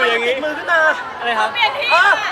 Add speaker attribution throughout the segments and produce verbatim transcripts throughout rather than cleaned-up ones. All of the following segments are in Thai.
Speaker 1: อยู่อย่างนี้
Speaker 2: มือขึ้นมา
Speaker 1: อะไรครับ
Speaker 3: เปลี่ยนที่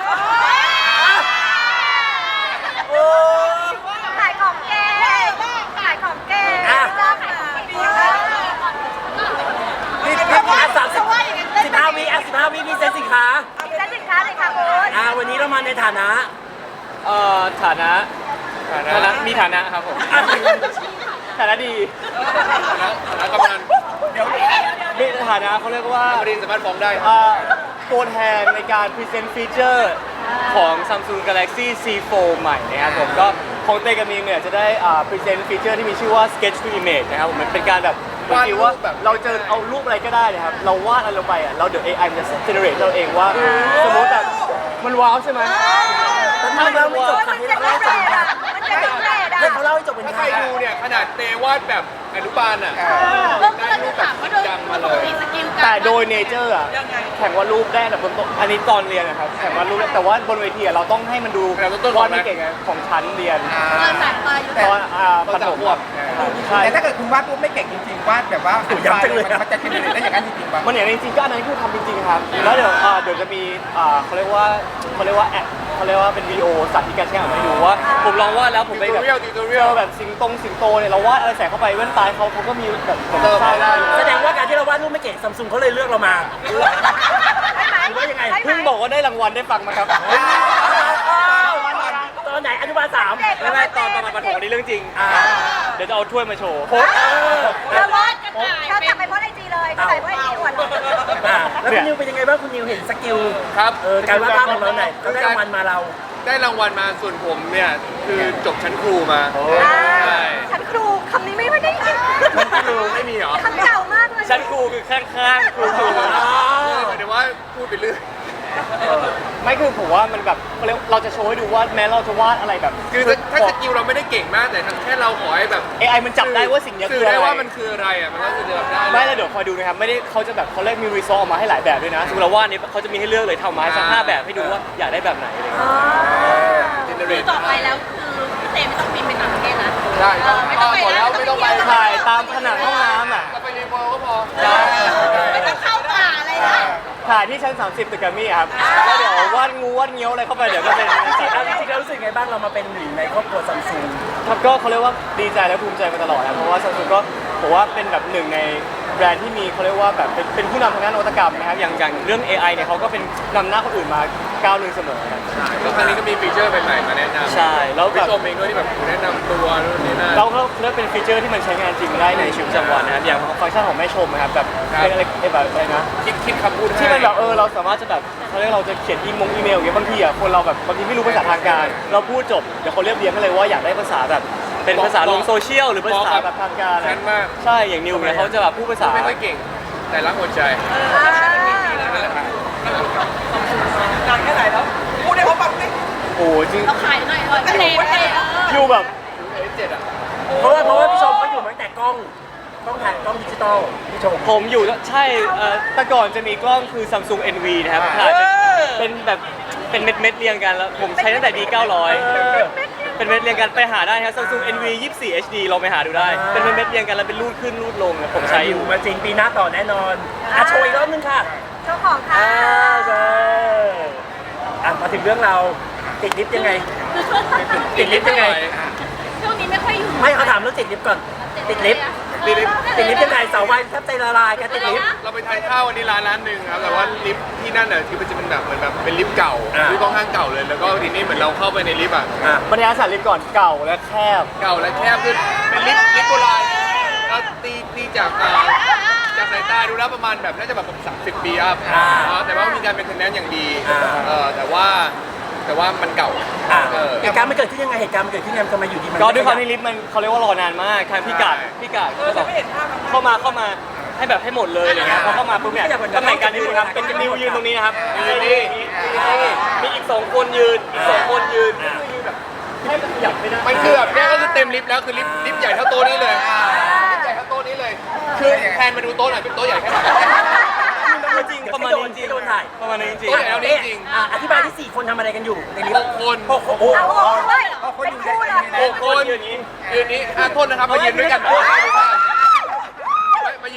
Speaker 2: โอ้
Speaker 3: ขายของเก่งขายของเก่งเจ้าขายของเก่ง
Speaker 2: นี่นี่อ่ะสามสิบสิบห้าวิอ่ะสิบห้าวิมีเซ็นสินค้า
Speaker 3: มีเซ็นสินค้าเลยค่ะคุณ
Speaker 2: อ่าวันนี้เรามาในฐานะ
Speaker 1: เอ่อฐานะฐานะมีฐานะครับผมฐานะดีฐานะกำนันมีฐานะเขาเรียกว่าบริษัทสามารถฟ้องได้ตัวแทนในการพรีเซนต์ฟีเจอร์ของ Samsung Galaxy ซี โฟร์ ใหม่นะครับผมก็ของเต้กับมีเนี่ยจะได้พรีเซนต์ฟีเจอร์ที่มีชื่อว่า Sketch to Image นะครับผมมันเป็นการแบบบางทีว่าเราเจอเอารูปอะไรก็ได้เลยครับเราวาดอะไรลงไปอ่ะเราเดี๋ยว เอ ไอ มันจะ generate เราเองว่าสมมติแบบมันว้าวใช่ไหม
Speaker 2: แต่ถ้าเราไม่จบค่ะให้เขาเล่าจบนะให้เขาเล่าให้จบเป็น
Speaker 4: ถ้าใครดูเนี่ยขนาดเตวาดแบบอนุบาลอ่ะได้รูปแบบจังมาเลย
Speaker 1: แต่โดยเนเจอร์อ่ะแข่งวาดรูปได้แต่บนโต๊ะอันนี้ตอนเรียนนะครับแข่งวาดรูปแต่ว่าบนเวทีเราต้องให้มันดูวาดไม่เก่งของชั้นเรียนตอนประถมใช่
Speaker 5: แต่ถ้าเกิดคุณวาดรูปไม่เก่งจริงๆวาดแบบว่า
Speaker 2: ย้ำจังเลย
Speaker 5: มันจะเจเนเรตได้อย่างนั้นจริงๆป่ะ
Speaker 1: มันอย่างจริงๆก็อันนั้นคือทำจริงๆครับแล้วเดี๋ยวเดี๋ยวจะมีเขาเรียกว่าเขาเรียกว่าแอเขาเรียกว่าเป็นวิดีโอสาธิตการใช้งานให้ดูว่าผมลองวาดแล้วผมไปแบบเจอแบบสิงตรงสิงโตเนี่ยเราวาดอะไรใส่เข้าไปแว่นตาเขาเขาก็มีแบบ
Speaker 4: เติมได้
Speaker 2: แสดงว่าการที่เราวาดรูปไม่เก่งซัมซุงเขาเลยเลือกเรามาหรือว่ายังไง
Speaker 1: เพิ่งบอกว่าได้รางวัลได้ฟังมาครับ
Speaker 2: ตอนไหนอนุบาลสาม
Speaker 1: ไม่ไม่ตอนตอนมาประถมนี่เรื่องจริงเดี๋ยวจะเอาถ้วยมาโชว์
Speaker 3: เธอวาดกระต่ายเธอทำไปเพราะไอจีเลยกระต่ายเพราะไอจีอวดเลย
Speaker 2: แล้วคุณนิวเป็นยังไงบ้างคุณนิวเห็นสกิล
Speaker 4: ครับ
Speaker 2: เออการวาดภาพของเราไหนก็ได้รางวัลมาเรา
Speaker 4: ได้รางวัลมาส่วนผมเนี่ยคือจบชั้นครูมาใช่
Speaker 3: ชั้นครูคำนี้ไม่ได้ยิน
Speaker 4: ชั้นครูไม่มีเหรอ
Speaker 3: คำเก่ามากเลย
Speaker 1: ชั้นครูคือข้างๆครูครู
Speaker 4: หมายถึงว่าพูดไปเรื่อย
Speaker 1: ไม่คือผมว่ามันแบบเราจะโชว์ให้ดูว่าแม้เราจะวาดอะไรแบบ
Speaker 4: คือถ้าสกิลเราไม่ได้เก่งมากแต่แค่เราขอให้แบบ
Speaker 1: เอ ไอ มันจับได้ว่าสิ่งนี้คืออะไร
Speaker 4: ได้ว่ามันคืออะไรอ่ะมันก็จะแบบได้
Speaker 1: ไม่แล้วเดี๋ยวคอยดูนะครับไม่ได้เขาจะแบบเขาเรียกมีรีซอสออกมาให้หลายแบบด้วยนะสมมติเราวาดนี้เขาจะมีให้เลือกเลยทำมาสักห้าแบบให้ดูว่าอยากได้แบบไหนอะไรอย่างเงี้
Speaker 3: ยต่อไปแล้วคือพี่เต้ไม่ต้องบินไปต่างประเทศนะ
Speaker 4: ใช่ไม่ต้องไปแล้วไม่ต้องไป
Speaker 1: ถ่ายตามผนังห้องน้ำอ่ะ
Speaker 4: ไปรีพอก็พอ
Speaker 3: ไม่ต้องเข้าป่าอะไรนะ
Speaker 1: ถ่ายที่ชั้นสามสิบตึกแกรมมี่ครับแล้วเดี๋ยววาดงูวาดเงี้ยวอะไรเข้าไปเดี๋ยวก็เป็น
Speaker 2: จริงๆแล้วรู้สึกไงบ้างเรามาเป็นหนึ่งในครอบครัวซัมซุง
Speaker 1: ครับก็เขาเรียกว่าดีใจและภูมิใจมาตลอดนะเพราะว่าซัมซุงก็ผมว่าเป็นแบบหนึ่งในแบรนด์ที่มีเขาเรียกว่าแบบเป็นเป็นผู้นำทางด้านนวัตกรรมนะครับอย่างอย่างเรื่อง เอ ไอ เนี่ยเขาก็เป็นนำหน้าคนอื่นมาก้าวหนึ่งเสมอครับ
Speaker 4: แล้วครั้งนี้ก็มีฟีเจอร์ใหม่ๆมาแนะนำ
Speaker 1: ใช่แล้ว
Speaker 4: แบบชมเองด้วยที่แบบแนะนำตัวนู่นนี่นั่น
Speaker 1: เราก็เลือกเป็นฟีเจอร์ที่มันใช้งานจริงได้ในชีวิตประจำวันนะครับอย่างฟังก์ชันของแม่ชมนะครับแบบเป็นอะไรแบบอะไรนะ
Speaker 4: คิดคิดคำพูด
Speaker 1: ที่มันแบบเออเราสามารถจะแบบเขาเรียกเราจะเขียนอีมงอีเมลอย่างเงี้ยบางทีอ่ะคนเราแบบบางทีไม่รู้ภาษาทางการเราพูดจบเดี๋ยวเขาเรียบเรียงกันเลยว่าอยากได้ภาษาแบบเป็นภาษาลงโซเชียลหรือภาษาแบบทางการใช่อย่างนิวเนี่ยเขาจะแบบพูดภาษา
Speaker 4: ไม่ค่อยเก่งแต่รักหัวใจนั่นแหละครับ
Speaker 5: นานแค่ไหนแล้วพูดได้เขาฟังสิ
Speaker 1: โอ้จริง
Speaker 3: เราขายหน่อยเออเต้เต้
Speaker 1: อยู่แบบ
Speaker 4: เจ็ดอ่ะ
Speaker 2: เพราะว่าเพราะว่าพี่ชมเขาอยู่มาตั้งแต่กล้องกล้องถ่ายกล้องดิจิตอลพี่ชม
Speaker 1: ผมอยู่ใช่แต่ก่อนจะมีกล้องคือ Samsung เอ็น วี นะครับถ่ายเป็นแบบเป็นเม็ดเม็ดเรียงกันแล้วผมใช้ตั้งแต่ ดี เก้าร้อย เป็นเม็ดเรียงกันไปหาได้ครับ Samsung เอ็น วี ยี่สิบสี่ เอช ดี ลองไปหาดูได้เป็นเม็ดเรียงกันแล้วเป็นรูดขึ้นรูดลงผมใช้อยู่
Speaker 2: มาจริงปีหน้าต่อแน่นอนอ่ะโชว์อีกรอบนึงค่ะ
Speaker 3: โชว์ของค่ะ
Speaker 2: ใช่อ่ะมาถึงเรื่องเราติดลิฟต์ยังไงติดลิฟต์ยังไง
Speaker 3: ช่วงนี้ไม่ค่อยอยู่
Speaker 2: ไม่เขาถามเรื่องติดลิฟต์ก่อนติดลิฟต์ติดลิฟต์ติดลิฟต์ยังไงเสาไฟแทบใจละลายกันติดลิฟต์
Speaker 4: เราไปทานข้าววันนี้ร้านร้านหนึ่งครับแต่ว่าลิฟต์ที่นั่นน่ะที่มันจะเป็นแบบเหมือนแบบเป็นลิฟต์เก่าลิฟต์ค่อนข้างเก่าเลยแล้วก็ทีนี้เหมือนเราเข้าไปในลิฟต์อ่ะ
Speaker 1: บรรยากาศลิฟต์ก่อนเก่าและแคบ
Speaker 4: เก่าและแคบคือเป็นลิฟต์ลิฟต์โบราณเราตีตีจากจากสายตาดูแล้วประมาณแบบน่าจะแบบสามสิบปีอัพแต่ว่ามีการเป็นเทนแนนอย่างดีแต่ว่าแต่ว่ามันเก่า
Speaker 2: เหตุการณ์มันเกิดขึ้นยังไงเหตุการณ์มันเกิดขึ้นยังไงทำไมอยู่ดีมัน
Speaker 1: ก็ด้วยความที่ลิฟต์มันเขาเรียกว่ารอนานมากทางพี่กาดพี่กาดก็แบบเข้ามาเข้ามาให้แบบให้หมดเลยอะไรเงี้ยพอเข้ามาปุ๊บเนี่ยตำแหน่งการยืนครับเป็นนิวยืนตรงนี้นะครับยืนนี่มีอีกสองคนยืนอีกสองคนยืนยืนแบบให้มันขยับไม่ได้
Speaker 4: มันคือแบบนี้ก็คือเต็มลิฟต์แล้วคือลิฟต์ลิฟต์ใหญ่เท่าโต๊ะนี้เลยลิฟต์ใหญ่เท่าโต๊ะนี้เลยคือแทนมาดูโต๊ะหน่อยเป็นโต๊ะใหญ่แค่ไหน
Speaker 1: จริงประมาณนี้จริง
Speaker 2: โดนถ่าย
Speaker 1: ประมาณนี้จริง
Speaker 4: โต๊ะใหญ่แล้วนี่จริง
Speaker 2: อธิบายที่สี่คนทำอะไรกันอยู่ในลิฟต์
Speaker 4: หกคน
Speaker 2: หกคน
Speaker 3: หกคนเป็นคู่เลย
Speaker 4: หกคนยืนนี้ยืนนี้อ่ะโทษนะครับมายืนด้วยกันมายื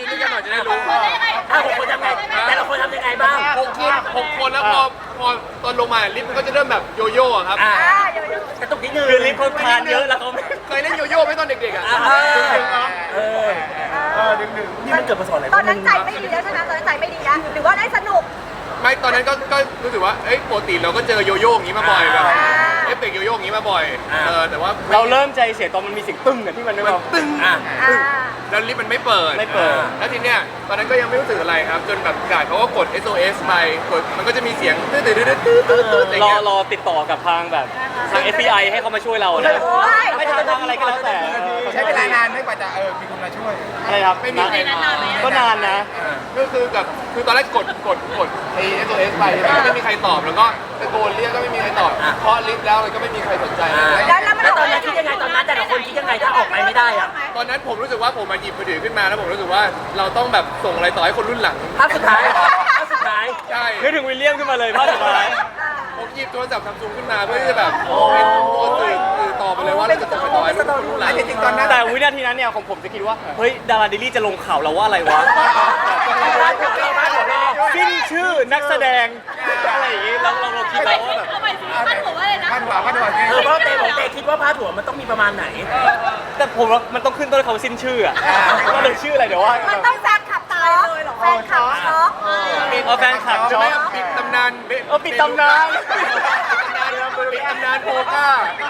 Speaker 4: ยืนด้วยกันหน่อยจะได้รู้
Speaker 2: อ่ะหกคนทำไงแต่ละคนทำยังไงบ้าง
Speaker 4: หกคนหกคนแล้วพอพอตอนลงมาลิฟต์มันก็จะเริ่มแบบโยโย่อะครับ
Speaker 2: อ่ะ
Speaker 3: อ่าเดี๋ยวเดี๋ยว
Speaker 2: กระตุกนิดนึง
Speaker 1: คือลิฟต์เขาทานเยอะแล้วเขาไม่
Speaker 4: เคยเล่นโยโย่ไหมตอนเด็กๆอ่ะ
Speaker 2: อ่ะเออเออ
Speaker 1: เออดึงดึง
Speaker 2: นี่มันเกิดมาสอนอะไร
Speaker 3: ตอนนั้นใจไม่ดีแล้วใช่ไหมตอนนั้นใจไม่ดีแล้วหรือว่าได้สนุก
Speaker 4: ไม่ตอนนั้นก็ก็รู้สึกว่าเอ้ยปกติเราก็เจอโยโย่อย่างนี้มาบ่อยแบบเอฟเฟกต์โยโย่อย่างนี้มาบ่อยเออแต่ว่า
Speaker 1: เราเริ่มใจเสียตอนมันมีเสียงตึ้งอะที่มันไม่
Speaker 4: มัน
Speaker 1: เบา
Speaker 4: ตึ้ง
Speaker 2: อ่ะ
Speaker 3: อ่า
Speaker 4: แล้วลิฟต์มันไม่เปิด
Speaker 1: ไม่เปิด
Speaker 4: แล้วทีเนี้ยตอนนั้นก็ยังไม่รู้สึกอะไรครับ จนแบบกาดเขาก็กด เอส โอ เอส ไปกดมันก็จะมีเสียงตื้อตื้อตื้อตื้อตื้อตื้ออะไร
Speaker 1: รอ
Speaker 4: เงี้ย
Speaker 1: รอติดต่อกับทางแบบทาง เอฟ บี ไอ ให้เขามาช่วยเรานะ
Speaker 3: โอ้ย
Speaker 1: ไม่ทางทางอะไรก็แล้วแต่
Speaker 6: ใช้เวลานานไหม่กว่าจะเออมีคนมาช่วย
Speaker 1: อะไรครับ
Speaker 4: ไม่มีใครมา
Speaker 1: ก็นานนะ
Speaker 4: ก็คือกับคือตอนแรกกดกดกดไอ เอส โอ เอส ไปใช่ไหมก็ไม่มีใครตอบแล้วก็ตะโกนเรียกก็ไม่มีใครตอบเคาะลิฟต์แล้วก็ไม่มีใครสนใจ
Speaker 2: อ่ะ
Speaker 3: แล้วแล้วมัน
Speaker 2: แล้วตอนนั้นคิดยังไงตอนนั้นแต่ละคนคิดยังไงถ้าออกไปไม่ได้อ่ะ
Speaker 4: ตอนนั้นผมรู้สึกว่าผมมาหยิบมือถือขึ้นมาแล้วผมรู้สึกว่าเราต้องแบบส่งอะไรต่อให้คนรุ่นหลัง
Speaker 2: ภาพสุดท้ายภาพสุดท้าย
Speaker 4: ใช่
Speaker 1: นึกถึงวิลเลียมขึ้นมาเลยภาพสุดท้าย
Speaker 4: ผมหยิบโทรศัพท์ซัมซุงขึ้นมาเพื่อที่จะแบบเป็นตัวสื่อสื่อต่อไปเลยว่าเราจะส่งไปต่อให้คนรุ่นหลัง
Speaker 6: จริงๆตอนนั้น
Speaker 1: แต่วินาทีนั้นเนี่ยของผมจะคิดว่า เฮ้ย ดาราเดลี่จะลงข่าวเราว่าอะไรวะ สิ้นชื่อนักแสดง อะไรอย่างงี้เราเราเราคิดแล้วว่าแบบ
Speaker 6: พันกว่าพันกว่า
Speaker 2: เออเพราะเต้บอกเต้คิดว่าพาดหัวมันต้องมีประมาณไหน
Speaker 1: แต่ผมว่ามันต้องขึ้นต้นเขาสิ้นชื่ออะก็เลยชื่ออะไรเดี๋ยวว่า
Speaker 3: มันต้องแฟนคลับช็อกแฟนคลับช็อก
Speaker 1: เอาแฟนคลับ
Speaker 4: ใช่
Speaker 1: ช็อ
Speaker 4: ไหม
Speaker 1: ก
Speaker 4: ปิดตำนานเบ
Speaker 1: เออปิดตำนาน
Speaker 4: ปิดตำนานโพก้า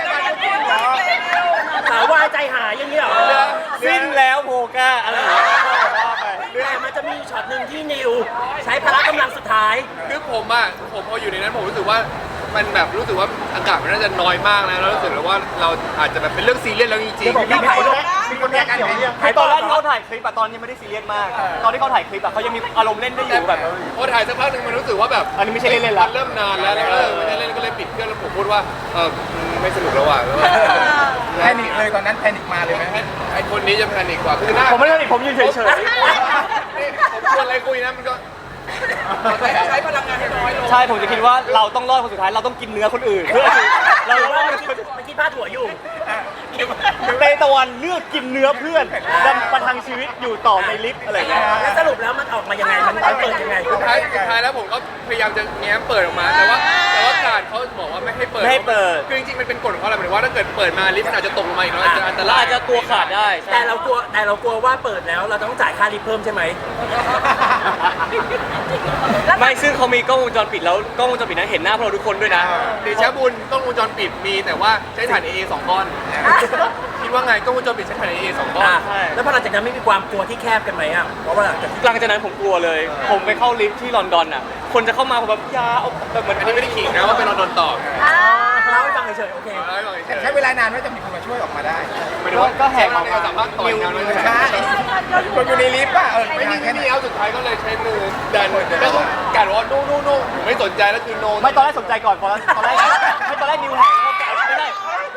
Speaker 2: สาววายใจหายอย่างนี้เหรอ
Speaker 1: สิ้นแล้วโพก้าอะไรอย่างเงี้ยว่าไป
Speaker 2: แต่มันจะมีช็อตหนึ่งที่นิว ใช้พละกำลังสุดท้าย
Speaker 4: คือผมอ่ะผมพออยู่ในนั้นผมรู้สึกว่ามันแบบรู้สึกว่าอากาศมันน่าจะน้อยมากนะแล้วรู้สึกว่าเราอาจจะแบบเป็นเรื่องซีเรียสแล้วจริง
Speaker 2: เดี๋ยวบอกพี่
Speaker 4: ๆ
Speaker 2: ไผ่ด้วย
Speaker 6: มีคนแยกกันไหม
Speaker 1: ไอตอนแรกที่เขาถ่ายคลิปอะตอนนี้ไม่ได้ซีเรียสมาก ตอนที่เขาถ่ายคลิปอะเขายังมีอารมณ์เล่นได้อยู่แบบ
Speaker 4: พอถ่ายสักพักหนึ่งมันรู้สึกว่าแบบ
Speaker 1: อันนี้ไม่ใช่เล่นๆละ
Speaker 4: มันเริ่มนานแล้วแล้วเออไม่ได้เล่นก็เลยปิดเครื่องแล้วผมพูดว่าเออไม่สนุกแล้วว่ะแล้ว
Speaker 6: แพนิคเลยตอนนั้นแพนิคมาเลยไหม
Speaker 4: ไอ้คนนี้จะแพนิคกว่าคือหน้า
Speaker 1: ผมไม่ได้ผมยืนเฉย
Speaker 4: นี่ผมชวนอะไรคุยนะมันก็
Speaker 5: ใช้พลังงานให้น้อยลง
Speaker 1: ๆ ใช่ผมจะคิดว่าเราต้องรอดคนสุดท้ายเราต้องกินเนื้อคนอื่นเพื่อที่เรา
Speaker 2: หรือ
Speaker 1: ร
Speaker 2: ว่า
Speaker 1: อด
Speaker 2: มันคิดมันคิดพาดหัวอยู่
Speaker 1: เตตะวันเลือกกินเนื้อเพื่อนดำประทังชีวิตอยู่ต่อในลิฟต์อะไรอย่างเงี้ย
Speaker 2: แล้วสรุปแล้วมันออกมายังไง มันมันเปิดยังไง
Speaker 4: สุดท้ายสุดท้ายแล้วผมก็พยายามจะแง้มเปิดออกมา แต่ว่าแต่ว่าการเขาบอกว่าไม่ให้เปิด
Speaker 1: ไม่ให้เปิด
Speaker 4: คือจริงๆมันเป็นกฎของเขาแหละหมายถึงว่าถ้าเกิดเปิดมาลิฟต์มันอาจจะตกลงมาอีกแล้วอาจจะอันต
Speaker 1: เรา
Speaker 4: ราย
Speaker 1: อาจจะตัวขาดได้ใช่
Speaker 2: แต่เรากลัวแต่เรากลัวว่าเปิดแล้วเราต้องจ่ายค่าลิฟต์เพิ่มใช่ไหม
Speaker 1: ไม่ซึ่งเขามีกล้องวงจรปิดแล้วกล้องวงจรปิดนั้นเห็นหน้าพวกเราทุกคนด้วยนะ
Speaker 4: เดชะบุญกล้องวงจรปิดมีแต่ว่าใช้ถ่าน เอ เอ สองก้อนคิดว่าไงกล้องวงจรปิดใช้ถ่าน เอ เอ สองก้อน
Speaker 2: อ่ะ
Speaker 1: ใช่
Speaker 2: แล้วพอหลังจากนั้นไม่มีความกลัวที่แคบกันไหมอ่ะ เพราะว่าหลังจากที่
Speaker 1: หลังจากนั้นผมกลัวเลย ผมไปเข้าลิฟต์ที่ลอนดอนอ่ะ คนจะเข้ามาผมแบบอยาเอาแบบเหมือน
Speaker 4: อันนี้ไม่ได้ขิงนะว่าเป็นลอนดอนต่อ
Speaker 2: เล่าให้ฟังเฉยๆโอเค
Speaker 4: เอาให้ฟังเฉยๆ
Speaker 6: ใช้เวลานานไหมจะมีคนมาช่วยออกมาได้
Speaker 4: หมายถึงว่า
Speaker 1: ก็แหกออก
Speaker 4: ใน
Speaker 1: มา
Speaker 4: ความสามารถต่อยกันเลย
Speaker 6: ใช่คนอยู่ในลิฟต์ป่ะเออ
Speaker 4: ไม่
Speaker 6: ไม่
Speaker 4: มี
Speaker 6: นาน
Speaker 4: แค่
Speaker 6: แค่ไหน
Speaker 4: นี้เอาสุดท้ายก็เลยใช้มือดันแล้วก็การว่าโน่โน่โน่ผมไม่สนใจแล้วคือโน
Speaker 1: ไม่ตอนแรกสนใจก่อนพอตอนแรกไม่ตอนแรกนิวแหกแล้วก็ไม่ได้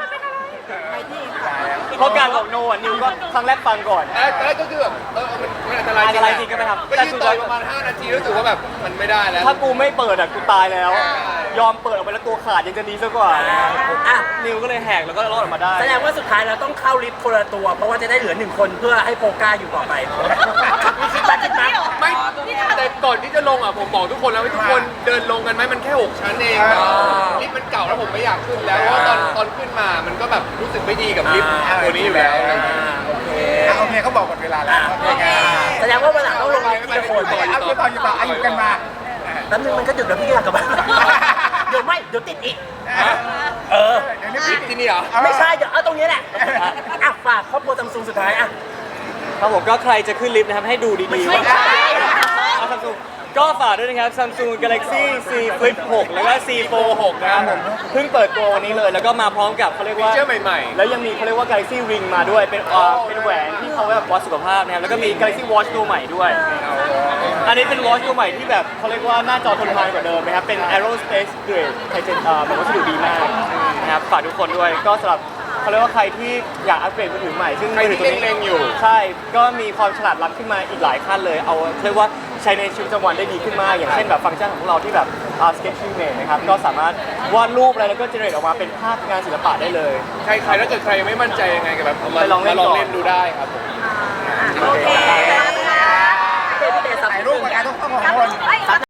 Speaker 1: เพราะการบอกโนอ่ะนิวก็ครั้งแรกฟังก่อน
Speaker 4: แต่แรกก็คือแบบเออมันมันอันตราย
Speaker 1: อันตรายจริงก็ไม่ทำ
Speaker 4: ก็ยืนต่อยประมาณห้านาทีรู้สึกว่าแบบมันไม่ได้แล้ว
Speaker 1: ถ้ากูไม่เปิดอ่ะกูตายแล้ว ยอมเปิดออกไปแล้วตัวขาดยังจะดีซะกว่า
Speaker 2: อ่ะ
Speaker 1: นิวก็เลยแหกแล้วก็รอดออกมาได้
Speaker 2: แสดงว่าสุดท้ายเราต้องเข้าลิฟต์คนละตัว เพราะว่าจะได้เหลือหนึ่งคนเพื่อให้โปก้าอยู่ต่อไปมีคิดบ้างคิดบ้าง
Speaker 4: ไม่แต่ก่อนที่จะลงอ่ะผมบอกทุกคนแล้วว่าทุกคนเดินลงกันไหมมันแค่หกชั้นเองลิฟต์มันเก่าแล้วผมไม่อยากขึ้นแล้วเพราะว่าตอนตอนขึ้นมามันก็แบบรู้สึกไม่ดีกับลิฟต์ตัวนี้อยู่แล้ว
Speaker 2: อ่าโอเค
Speaker 6: อ่ะโอเคเขาบอกหมดเวลาแล้วโอเค
Speaker 2: แสดงว่าวันหลังต้องลงลิฟต์ทีละคน
Speaker 6: เอาอยู่ต่ออยู่ต่ออายุกันมา
Speaker 2: แป๊บนึงมันก็ดึกแล้วพี่อยากกลับบ้านเดี๋ยวไม่เดี๋ยวติดอีก เออ
Speaker 6: เดี๋ยวนี้
Speaker 4: ลิฟต์ที่นี่เหรอ
Speaker 2: ไม่ใช่เดี๋ยวเอาตรงนี้แหละอ่ะฝากครอบครัวซัมซุงสุดท้ายอ่ะ
Speaker 1: ครับผมก็ใครจะขึ้นลิฟต์นะครับให้ดูดีๆว่าเอาซัมซุงก็ฝากด้วยนะครับ Samsung Galaxy Z Flip หกแล้วก็ Z Fold หกนะครับผมเพิ่งเปิดตัววันนี้เลยแล้วก็มาพร้อมกับเขาเรียกว่า
Speaker 4: ฟีเจอร์ใหม่ๆ
Speaker 1: แล้วยังมีเขาเรียกว่า Galaxy Ring มาด้วยเป็นอ่าเป็นแหวนที่เขาแบบวัดสุขภาพนะครับแล้วก็มี Galaxy Watch ตัวใหม่ด้วย อันนี้เป็น Watch ตัวใหม่ที่แบบเขาเรียกว่าหน้าจอทนทานกว่าเดิมนะครับเป็น Aerospace Grade ไทเทนอ่าแบบวัสดุดีมากนะครับฝากทุกคนด้วยก็สำหรับเขาเรียกว่าใครที่อยากอัปเกรดมือถือใหม่ซึ่ง
Speaker 4: ใคร
Speaker 1: มือ
Speaker 4: ที่
Speaker 1: ถือตัวนี้
Speaker 4: เล็งๆอยู่
Speaker 1: ใช่ ก็มีความฉลาดล้ำขึ้นมาอีกหลายขั้นเลย เอาเรียกว่าใช้ในชีวิตประจำวันได้ดีขึ้นมาก อย่างเช่นแบบฟังก์ชันของพวกเราที่แบบ Sketching Mate นะครับ ก็สามารถวาดรูปอะไรแล้วก็เจเนเรตออกมาเป็นภาพงานศิลปะได้เลย
Speaker 4: ใครใครถ้าเกิดใครยังไม่มั่นใจยังไงกับแบบเอามา
Speaker 1: ไปลองเล่น
Speaker 4: มาลอง
Speaker 1: ก่อน
Speaker 4: เล่นดูได้ครับผม